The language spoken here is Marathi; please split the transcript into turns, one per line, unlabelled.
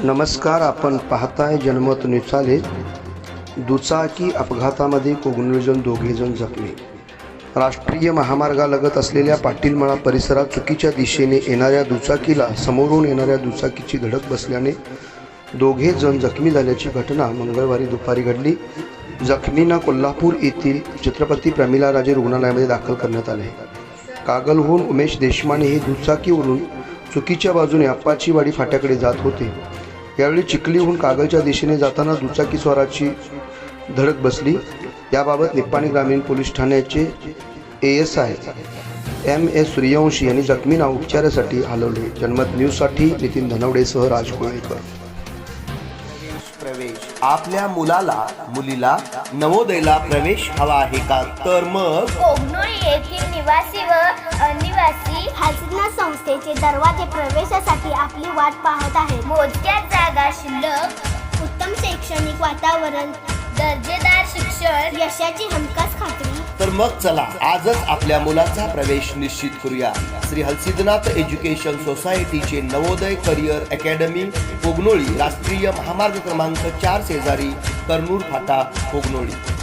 नमस्कार, आपण पाहताय जनमत न्यूज. दुचाकी अपघातामध्ये कोगनूरजण दोघेजण जखमी. राष्ट्रीय महामार्गालगत असलेल्या पाटीलमळा परिसरात चुकीच्या दिशेने येणाऱ्या दुचाकीला समोरून येणाऱ्या दुचाकीची धडक बसल्याने दोघे जण जखमी झाल्याची घटना मंगळवारी दुपारी घडली. जखमींना कोल्हापूर येथील छत्रपती प्रमिलाराजे रुग्णालयामध्ये दाखल करण्यात आले. कागलहून उमेश देशमाने हे दुचाकीवरून चुकीच्या बाजूने अप्पाचीवाडी फाट्याकडे जात होते. यावेळी चिखलीहून कागलच्या दिशेने जाताना दुचाकी स्वाराची धडक बसली. याबाबत निप्पाणी ग्रामीण पोलीस ठाण्याचे ASI MS सूर्यवंशी यांनी जखमींना उपचारासाठी हलवले. जनमत न्यूजसाठी नितीन धनवडेसह राज कोळेकर.
प्रवेश आपल्या मुलाला मुलीला नवोदयला प्रवेश हवा आहे का? तर मग
कोगनोळी येथील निवासी व अनिवासी
हसना संस्थेचे दरवाजे प्रवेशासाठी आपली वाट पाहत आहेत.
मोजक्या जागा शिल्लक,
उत्तम शैक्षणिक वातावरण,
दर्जेदार शिक्षण,
यशाची हमखास खात्री.
तर मग चला आजच आपल्या मुलाचा प्रवेश निश्चित करूया. श्री हलसिद्धनाथ एज्युकेशन सोसायटीचे नवोदय करिअर अकॅडमी कोगनोळी, राष्ट्रीय महामार्ग क्रमांक 4 शेजारी कर्नूर फाटा कोगनोळी.